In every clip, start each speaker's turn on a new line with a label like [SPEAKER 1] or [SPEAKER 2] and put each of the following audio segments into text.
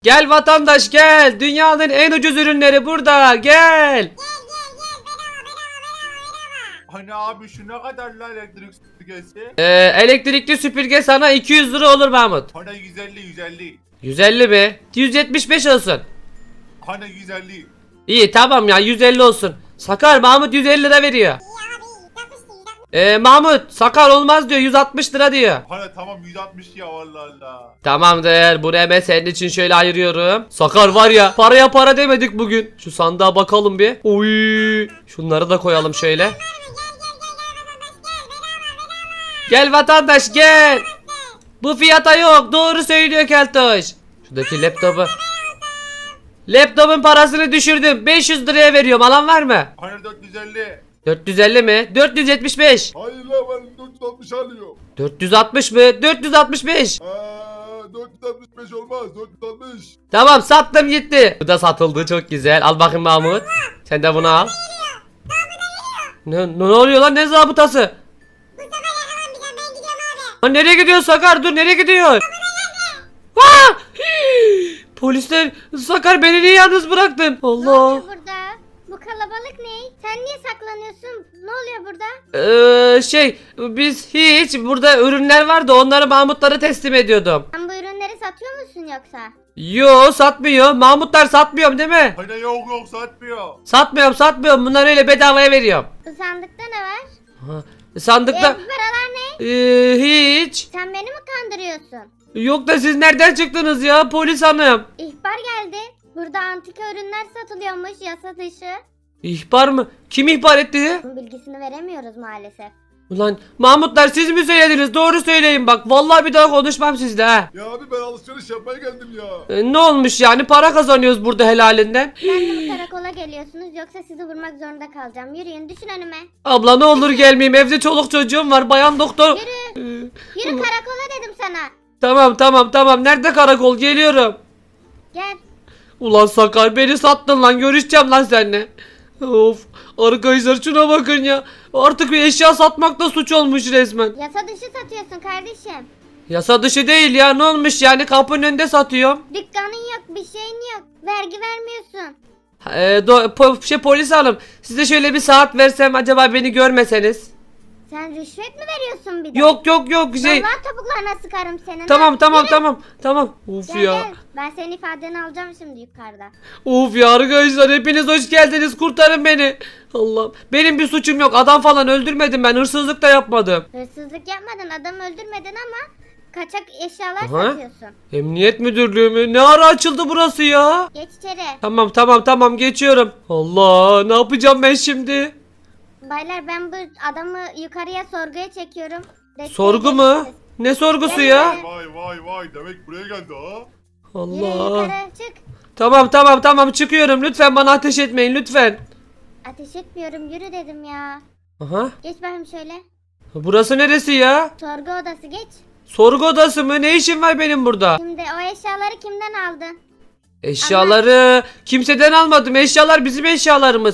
[SPEAKER 1] Gel vatandaş gel. Dünyanın en ucuz ürünleri burada. Gel.
[SPEAKER 2] Hani abi şu ne kadar la elektrik süpürgesi?
[SPEAKER 1] Elektrikli süpürge sana 200 lira olur Mahmut.
[SPEAKER 2] Hani 150.
[SPEAKER 1] 150 mi? 175 olsun.
[SPEAKER 2] Hani 150.
[SPEAKER 1] İyi tamam ya 150 olsun. Sakar Mahmut 150 lira veriyor. Mahmut Sakar olmaz diyor 160 lira diyor.
[SPEAKER 2] Hani tamam 160 ya vallahi Allah.
[SPEAKER 1] Tamamdır bunu hemen senin için şöyle ayırıyorum. Sakar var ya paraya para demedik bugün. Şu sandığa bakalım bir. Oy. Şunları da koyalım şöyle. Gel vatandaş gel. Bu fiyata yok doğru söylüyor Keltoş. Şuradaki laptopu. Laptopun parasını düşürdüm 500 liraya veriyorum alan var mı?
[SPEAKER 2] Hani 450.
[SPEAKER 1] 450 mi? 475.
[SPEAKER 2] Hayır la ben 460 alıyorum.
[SPEAKER 1] 460 mı? 465.
[SPEAKER 2] 465 olmaz 460.
[SPEAKER 1] Tamam sattım gitti. Bu da satıldı çok güzel. Al bakayım Mahmut. Sen de bunu al. Ne oluyor lan ne zabıtası? Lan nereye gidiyor Sakar dur nereye gidiyor? Aa! Polisler Sakar beni niye yalnız bıraktın?
[SPEAKER 3] Ne
[SPEAKER 1] Allah.
[SPEAKER 3] oluyor burada? Bu kalabalık ne? Sen niye saklanıyorsun? Ne oluyor burada?
[SPEAKER 1] Biz hiç burada ürünler vardı onları Mahmutlara teslim ediyordum.
[SPEAKER 3] Sen bu ürünleri satıyor musun yoksa?
[SPEAKER 1] Yo satmıyor. Mahmutlar satmıyorum değil mi?
[SPEAKER 2] Hani yok satmıyor.
[SPEAKER 1] Satmıyorum. Bunları öyle bedavaya veriyorum.
[SPEAKER 3] Bu sandıkta ne var?
[SPEAKER 1] Sandıkta
[SPEAKER 3] Bu paralar ne?
[SPEAKER 1] hiç.
[SPEAKER 3] Sen beni mi kandırıyorsun?
[SPEAKER 1] Yok da siz nereden çıktınız ya polis hanım?
[SPEAKER 3] İhbar geldi. Burada antika ürünler satılıyormuş yasa dışı.
[SPEAKER 1] İhbar mı? Kim ihbar etti?
[SPEAKER 3] Bunun bilgisini veremiyoruz maalesef.
[SPEAKER 1] Ulan Mahmutlar siz mi söylediniz? Doğru söyleyin bak. Vallahi bir daha konuşmam sizle ha.
[SPEAKER 2] Ya abi ben alışveriş yapmaya geldim ya.
[SPEAKER 1] Ne olmuş yani? Para kazanıyoruz burada helalinden.
[SPEAKER 3] Ben de bu karakola geliyorsunuz yoksa sizi vurmak zorunda kalacağım. Yürüyün düşün önüme.
[SPEAKER 1] Abla ne olur gelmeyeyim. Evde çoluk çocuğum var. Bayan doktor.
[SPEAKER 3] Yürü karakola dedim sana.
[SPEAKER 1] Tamam. Nerede karakol? Geliyorum.
[SPEAKER 3] Gel.
[SPEAKER 1] Ulan Sakar beni sattın lan. Görüşeceğim lan seninle. Of. Arkadaşlar şuna bakın ya. Artık bir eşya satmak da suç olmuş resmen.
[SPEAKER 3] Yasa dışı satıyorsun kardeşim.
[SPEAKER 1] Yasa dışı değil ya. Ne olmuş yani? Kapının önünde satıyorum.
[SPEAKER 3] Dükkanın yok, bir şeyin yok. Vergi vermiyorsun.
[SPEAKER 1] Polis hanım. Size şöyle bir saat versem acaba beni görmeseniz.
[SPEAKER 3] Sen rüşvet mi veriyorsun bir de?
[SPEAKER 1] Yok şey.
[SPEAKER 3] Vallahi topuklarına sıkarım senin.
[SPEAKER 1] Tamam. Of
[SPEAKER 3] Gel
[SPEAKER 1] ya.
[SPEAKER 3] gel. Ben senin ifadeni alacağım şimdi yukarıda.
[SPEAKER 1] Of ya arkadaşlar hepiniz hoş geldiniz. Kurtarın beni. Allah'ım. Benim bir suçum yok. Adam falan öldürmedim ben. Hırsızlık da yapmadım.
[SPEAKER 3] Hırsızlık yapmadın, adam öldürmedin ama kaçak eşyalar
[SPEAKER 1] Aha.
[SPEAKER 3] satıyorsun.
[SPEAKER 1] Emniyet müdürlüğü mü? Ne ara açıldı burası ya?
[SPEAKER 3] Geç içeri.
[SPEAKER 1] Tamam geçiyorum. Allah ne yapacağım ben şimdi?
[SPEAKER 3] Baylar ben bu adamı yukarıya sorguya çekiyorum. Desteğe
[SPEAKER 1] Sorgu mu?
[SPEAKER 3] gelirsiniz.
[SPEAKER 1] Ne sorgusu
[SPEAKER 3] Gel
[SPEAKER 1] ya?
[SPEAKER 3] yukarı.
[SPEAKER 2] Vay demek buraya geldi ha.
[SPEAKER 3] Yürü
[SPEAKER 1] Allah.
[SPEAKER 3] yukarı çık.
[SPEAKER 1] Tamam çıkıyorum. Lütfen bana ateş etmeyin lütfen.
[SPEAKER 3] Ateş etmiyorum yürü dedim ya.
[SPEAKER 1] Aha.
[SPEAKER 3] Geç bakayım şöyle.
[SPEAKER 1] Burası neresi ya?
[SPEAKER 3] Sorgu odası geç.
[SPEAKER 1] Sorgu odası mı? Ne işim var benim burada?
[SPEAKER 3] Şimdi o eşyaları kimden aldın?
[SPEAKER 1] Eşyaları kimseden almadım. Eşyalar bizim eşyalarımız.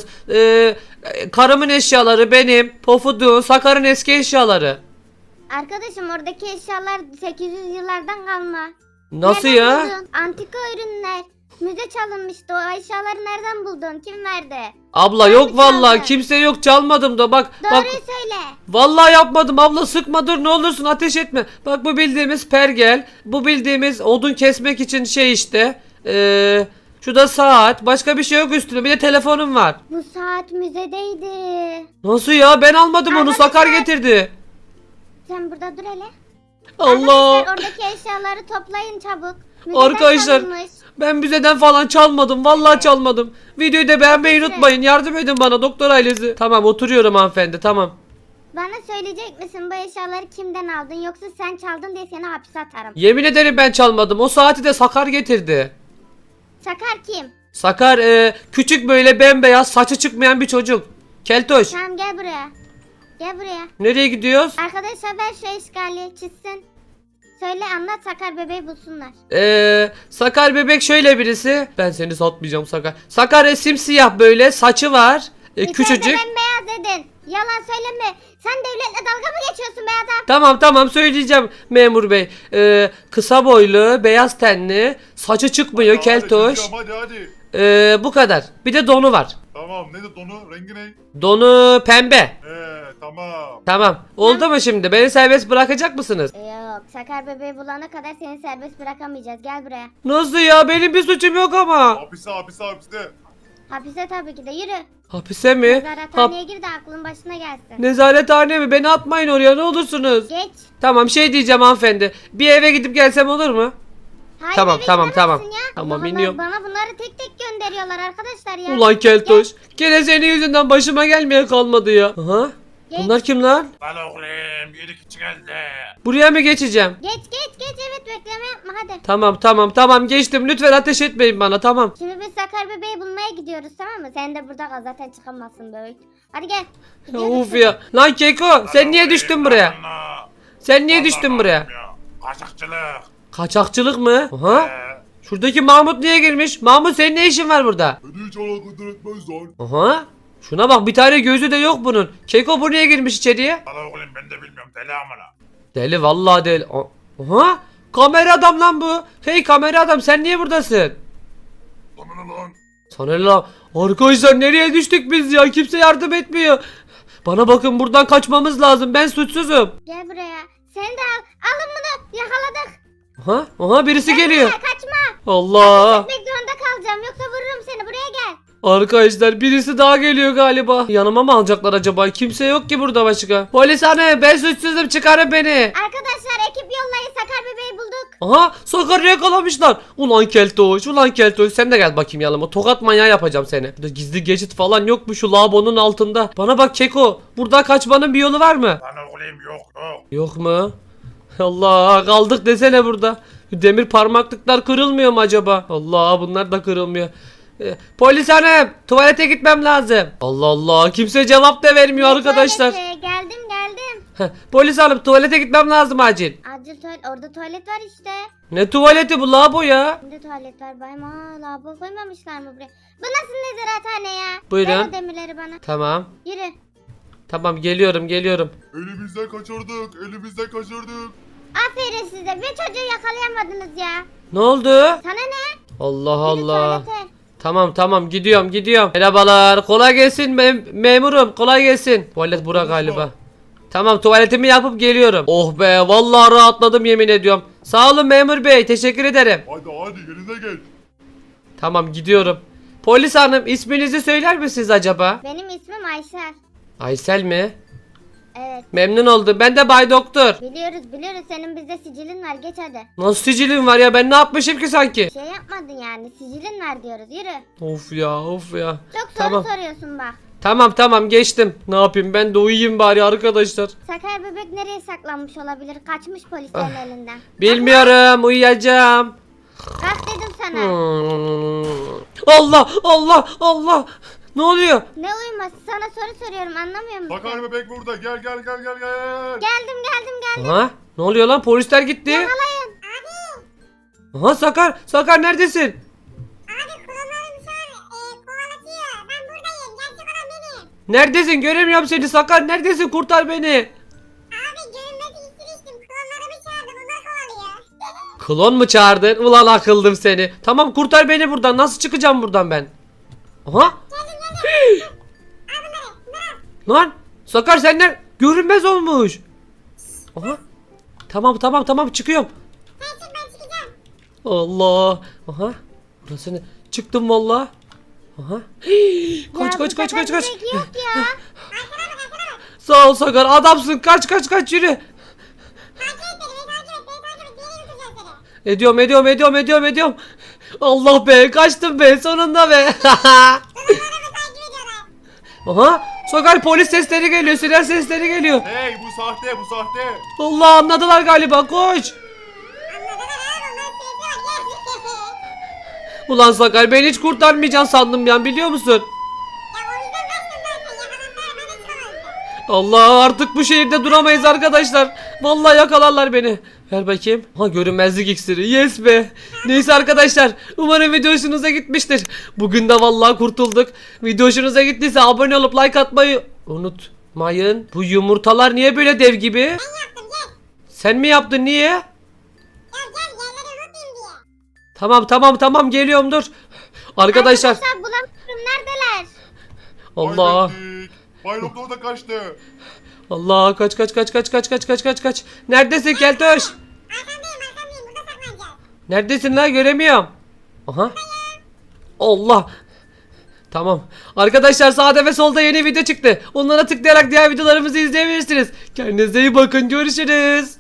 [SPEAKER 1] Karımın eşyaları benim. Pofudun, Sakar'ın eski eşyaları.
[SPEAKER 3] Arkadaşım oradaki eşyalar 800 yıllardan kalma.
[SPEAKER 1] Nasıl
[SPEAKER 3] Nereden
[SPEAKER 1] ya?
[SPEAKER 3] buldun? Antika ürünler. Müze çalınmıştı. O eşyaları nereden buldun? Kim verdi?
[SPEAKER 1] Abla
[SPEAKER 3] Sen
[SPEAKER 1] yok
[SPEAKER 3] mi
[SPEAKER 1] vallahi
[SPEAKER 3] çaldın?
[SPEAKER 1] kimse yok çalmadım da bak.
[SPEAKER 3] Doğruyu
[SPEAKER 1] Bak
[SPEAKER 3] söyle.
[SPEAKER 1] vallahi yapmadım abla sıkma dur ne olursun ateş etme. Bak bu bildiğimiz pergel. Bu bildiğimiz odun kesmek için şey işte. Şu da saat. Başka bir şey yok üstünde. Bir de telefonum var.
[SPEAKER 3] Bu saat müzedeydi.
[SPEAKER 1] Nasıl ya? Ben almadım onu.
[SPEAKER 3] Arkadaşlar-
[SPEAKER 1] Sakar getirdi.
[SPEAKER 3] Sen burada dur hele.
[SPEAKER 1] Allah.
[SPEAKER 3] Arkadaşlar oradaki eşyaları toplayın çabuk. Müzeden
[SPEAKER 1] Arkadaşlar
[SPEAKER 3] çalınmış.
[SPEAKER 1] ben müzeden falan çalmadım. Vallahi çalmadım. Videoyu da beğenmeyi
[SPEAKER 3] Neyse.
[SPEAKER 1] unutmayın. Yardım edin bana doktor ailesi. Tamam oturuyorum hanımefendi tamam.
[SPEAKER 3] Bana söyleyecek misin bu eşyaları kimden aldın yoksa sen çaldın diye seni hapse atarım.
[SPEAKER 1] Yemin ederim ben çalmadım. O saati de Sakar getirdi.
[SPEAKER 3] Sakar kim?
[SPEAKER 1] Sakar küçük böyle bembeyaz saçı çıkmayan bir çocuk. Keltoş.
[SPEAKER 3] Tamam gel buraya. Gel buraya.
[SPEAKER 1] Nereye gidiyoruz?
[SPEAKER 3] Arkadaşlar ver şu eşkali çizsin. Söyle anlat Sakar bebeği bulsunlar.
[SPEAKER 1] Sakar bebek şöyle birisi. Ben seni satmayacağım Sakar. Sakar simsiyah böyle saçı var.
[SPEAKER 3] İçeride
[SPEAKER 1] Küçücük.
[SPEAKER 3] bembeyaz dedin. Yalan söyleme. Sen devletle dalga mı geçiyorsun be adam?
[SPEAKER 1] Tamam söyleyeceğim memur bey. Kısa boylu, beyaz tenli, saçı çıkmıyor,
[SPEAKER 2] Hadi,
[SPEAKER 1] keltoş.
[SPEAKER 2] hadi.
[SPEAKER 1] Bu kadar. Bir de donu var.
[SPEAKER 2] Tamam ne de donu rengi ne?
[SPEAKER 1] Donu pembe.
[SPEAKER 2] Tamam.
[SPEAKER 1] Tamam. Oldu mu şimdi? Beni serbest bırakacak mısınız?
[SPEAKER 3] Yok, Sakar bebeği bulana kadar seni serbest bırakamayacağız. Gel buraya.
[SPEAKER 1] Nasıl ya? Benim bir suçum yok ama.
[SPEAKER 2] Hapiste.
[SPEAKER 3] Hapise tabii ki de, yürü.
[SPEAKER 1] Hapise mi?
[SPEAKER 3] Nezarethaneye gir de aklın başına gelsin.
[SPEAKER 1] Nezarethane mi? Beni atmayın oraya, ne olursunuz.
[SPEAKER 3] Geç.
[SPEAKER 1] Tamam, şey diyeceğim hanımefendi. Bir eve gidip gelsem olur mu?
[SPEAKER 3] Hayır,
[SPEAKER 1] Tamam,
[SPEAKER 3] eve
[SPEAKER 1] tamam,
[SPEAKER 3] gidemezsin
[SPEAKER 1] tamam.
[SPEAKER 3] ya.
[SPEAKER 1] Tamam,
[SPEAKER 3] Allah
[SPEAKER 1] iniyorum.
[SPEAKER 3] Allah, bana bunları tek tek gönderiyorlar arkadaşlar ya.
[SPEAKER 1] Ulan keltoş. Gene senin yüzünden başıma gelmeye kalmadı ya. Aha.
[SPEAKER 3] Geç.
[SPEAKER 1] Bunlar kim lan?
[SPEAKER 2] Lan oğlum yedi kişi geldi.
[SPEAKER 1] Buraya mı geçeceğim?
[SPEAKER 3] Geç evet, bekleme yapma hadi.
[SPEAKER 1] Tamam geçtim. Lütfen ateş etmeyin bana, tamam.
[SPEAKER 3] Şimdi biz Sakar bebeği bulmaya gidiyoruz, tamam mı? Sen de burada kal, zaten çıkamazsın böyle. Hadi gel. Gidiyoruz
[SPEAKER 1] Of
[SPEAKER 3] şimdi.
[SPEAKER 1] ya. Lan Keko, sen niye düştün buraya? Sen niye düştün buraya?
[SPEAKER 2] Kaçakçılık.
[SPEAKER 1] Kaçakçılık mı? Aha. Şuradaki Mahmut niye girmiş? Mahmut, senin ne işin var burada?
[SPEAKER 2] Beni hiç alakadar etmez lan.
[SPEAKER 1] Aha. Şuna bak, bir tane gözü de yok bunun. Keko, bu niye girmiş içeriye?
[SPEAKER 2] Lan oğlum ben de bilmiyorum deli amına.
[SPEAKER 1] Deli, vallahi deli. Aha. Kamera adam lan bu. Hey kamera adam, sen niye buradasın?
[SPEAKER 2] Lan lan.
[SPEAKER 1] Sana ne lan? Arkadaşlar, nereye düştük biz ya? Kimse yardım etmiyor. Bana bakın, buradan kaçmamız lazım. Ben suçsuzum.
[SPEAKER 3] Gel buraya. Sen de al. Alın bunu. Yakaladık.
[SPEAKER 1] Aha birisi geliyor.
[SPEAKER 3] Kaçma.
[SPEAKER 1] Allah.
[SPEAKER 3] Gitmek zorunda kalacağım. Yoksa vururum seni. Buraya gel.
[SPEAKER 1] Arkadaşlar, birisi daha geliyor galiba. Yanıma mı alacaklar acaba? Kimse yok ki burada başka. Polis hanım, ben suçsuzum, çıkarın beni.
[SPEAKER 3] Arkadaşlar, ekip yollayın. Sakar bebeği bulduk.
[SPEAKER 1] Aha, Sakar'ı yakalamışlar. Ulan keltoş sen de gel bakayım yanıma. Tokat manyağı yapacağım seni. Burada gizli geçit falan yok mu şu lavabonun altında? Bana bak Keko, burada kaçmanın bir yolu var mı?
[SPEAKER 2] Lan oğlum yok.
[SPEAKER 1] Yok mu? Allah, kaldık desene burada. Demir parmaklıklar kırılmıyor mu acaba? Allah, bunlar da kırılmıyor. Polis hanım, tuvalete gitmem lazım. Allah, kimse cevap da vermiyor arkadaşlar.
[SPEAKER 3] Tuvalete. Geldim.
[SPEAKER 1] Polis hanım, tuvalete gitmem lazım acil.
[SPEAKER 3] Acil tuvalet. Orada tuvalet var işte.
[SPEAKER 1] Ne tuvaleti bu, lavabo ya?
[SPEAKER 3] Şimdi tuvalet var. Bayım. Lavabo koymamışlar mı buraya? Bu nasıl nezarethane ya?
[SPEAKER 1] Buyurun.
[SPEAKER 3] Ver o demirleri bana.
[SPEAKER 1] Tamam.
[SPEAKER 3] Yürü.
[SPEAKER 1] Tamam, geliyorum.
[SPEAKER 2] Elimizden kaçırdık.
[SPEAKER 3] Aferin size. Bir çocuğu yakalayamadınız ya.
[SPEAKER 1] Ne oldu?
[SPEAKER 3] Sana ne?
[SPEAKER 1] Allah
[SPEAKER 3] Yürü
[SPEAKER 1] Allah.
[SPEAKER 3] tuvalete.
[SPEAKER 1] Tamam, gidiyorum. Merhabalar, kolay gelsin memurum, kolay gelsin. Tuvalet bura galiba. Tamam, tuvaletimi yapıp geliyorum. Oh be, vallahi rahatladım, yemin ediyorum. Sağ olun memur bey, teşekkür ederim.
[SPEAKER 2] Hadi yerine geç.
[SPEAKER 1] Tamam, gidiyorum. Polis hanım, isminizi söyler misiniz acaba?
[SPEAKER 3] Benim ismim Aysel.
[SPEAKER 1] Aysel mi?
[SPEAKER 3] Evet.
[SPEAKER 1] Memnun oldum, ben de Bay Doktor.
[SPEAKER 3] Biliyoruz. Senin bizde sicilin var. Geç hadi.
[SPEAKER 1] Nasıl sicilim var ya, ben ne yapmışım ki sanki?
[SPEAKER 3] Şey yapmadın yani. Sicilin var diyoruz. Yürü.
[SPEAKER 1] Of ya.
[SPEAKER 3] Çok soru
[SPEAKER 1] Tamam.
[SPEAKER 3] soruyorsun bak.
[SPEAKER 1] Tamam, geçtim. Ne yapayım, ben de uyuyayım bari arkadaşlar.
[SPEAKER 3] Sakar bebek nereye saklanmış olabilir? Kaçmış polislerin elinden.
[SPEAKER 1] Bilmiyorum, uyuyacağım.
[SPEAKER 3] Kalk dedim sana.
[SPEAKER 1] Allah. Ne oluyor?
[SPEAKER 3] Ne uyuması? Sana soru soruyorum, anlamıyor musun?
[SPEAKER 2] Sakar bebek burada. Gel.
[SPEAKER 3] Geldim.
[SPEAKER 1] Aha, ne oluyor lan? Polisler gitti.
[SPEAKER 3] Yakalayın.
[SPEAKER 1] Aha, Sakar neredesin?
[SPEAKER 3] Abi klonlarım şu an kovalatıyor. Ben buradayım. Gerçek olan benim.
[SPEAKER 1] Neredesin? Göremiyorum seni Sakar. Neredesin? Kurtar beni.
[SPEAKER 3] Abi görünmezi istemiştim. Klonlarımı çağırdım. Onlar kovalıyor.
[SPEAKER 1] Klon mu çağırdın? Ulan akıldım seni. Tamam, kurtar beni buradan. Nasıl çıkacağım buradan ben? Aha. Lan Sakar, senden görünmez olmuş. Aha. Tamam çıkıyorum.
[SPEAKER 3] Sen çık, ben çıkacağım.
[SPEAKER 1] Allah. Aha. Burası ne? Çıktım valla. Aha. Kaç.
[SPEAKER 3] Yok ya.
[SPEAKER 1] Sağ ol Sakar, adamsın. Kaç yürü. Ediyorum. Allah be, kaçtım be sonunda be. Aha, Sakar, polis sesleri geliyor, siren sesleri geliyor.
[SPEAKER 2] Hey bu sahte.
[SPEAKER 1] Allah, anladılar galiba, koş. Ulan Sakar, beni hiç kurtarmayacaksın sandım ya, biliyor musun? Allah, artık bu şehirde duramayız arkadaşlar. Vallahi yakalarlar beni. Ver bakayım. Ha, görünmezlik iksiri. Yes be. Neyse arkadaşlar, umarım video hoşunuza gitmiştir. Bugün de vallahi kurtulduk. Video hoşunuza gittiyse abone olup like atmayı Mayın, bu yumurtalar niye böyle dev gibi?
[SPEAKER 4] Ben yaptım gel.
[SPEAKER 1] Sen mi yaptın, niye?
[SPEAKER 4] Gel yerleri unutmayayım diye.
[SPEAKER 1] Tamam geliyorum, dur. Arkadaşlar
[SPEAKER 3] Arkadaşlar bulamıyorum. Neredeler?
[SPEAKER 1] Allah.
[SPEAKER 2] Bay Doktor da kaçtı.
[SPEAKER 1] Allah, kaç. Neredesin Keltoş?
[SPEAKER 4] Arkandayım burada saklanacağız.
[SPEAKER 1] Neredesin lan, göremiyorum. Aha. Allah. Tamam. Arkadaşlar sağda ve solda yeni video çıktı. Onlara tıklayarak diğer videolarımızı izleyebilirsiniz. Kendinize iyi bakın. Görüşürüz.